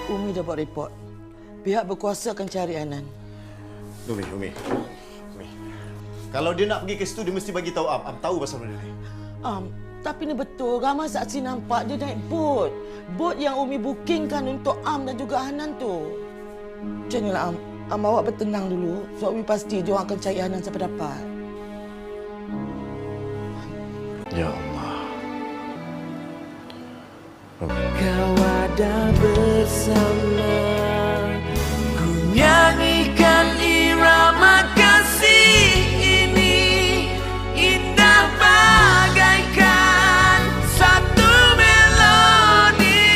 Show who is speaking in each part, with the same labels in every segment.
Speaker 1: Umi dah buat report. Pihak berkuasa akan cari Anan.
Speaker 2: Umi. Kalau dia nak pergi ke situ, dia mesti bagi tahu Am. Am tahu pasal benda ni.
Speaker 1: Tapi ni betul. Ramai saksi nampak dia naik bot. Bot yang Umi bookingkan untuk Am dan juga Hanan tu. Macam inilah Am. Am awak bertenang dulu. Sebab Umi pasti dia orang akan cari Hanan sampai dapat.
Speaker 2: Ya Allah.
Speaker 3: Kau ada bersama, ku nyanyikan irama kasih ini, indah bagaikan satu melodi.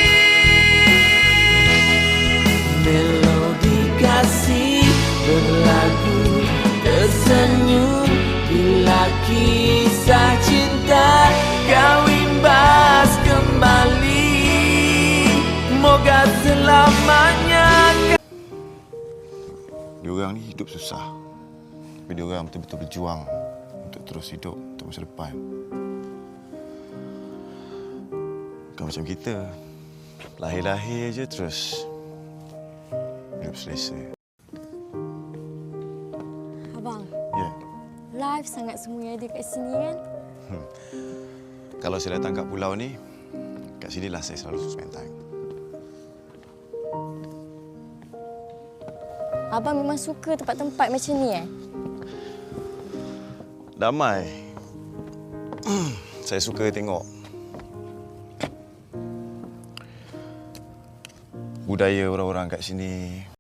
Speaker 3: Melodi kasih berlagu tersenyum bila kisah cinta kau imbas kembali. Moga selamanya.
Speaker 2: Diorang ni hidup susah. Tapi diorang betul-betul berjuang untuk terus hidup, untuk masa depan. Bukan macam kita. Lahir-lahir je terus hidup selesa.
Speaker 4: Abang,
Speaker 2: Ya.
Speaker 4: live sangat semuanya ada kat sini kan?
Speaker 2: Kalau saya datang kat pulau ni, kat sinilah saya selalu spend time.
Speaker 4: Abang memang suka tempat-tempat macam ni
Speaker 2: Damai. Saya suka tengok budaya orang-orang kat sini.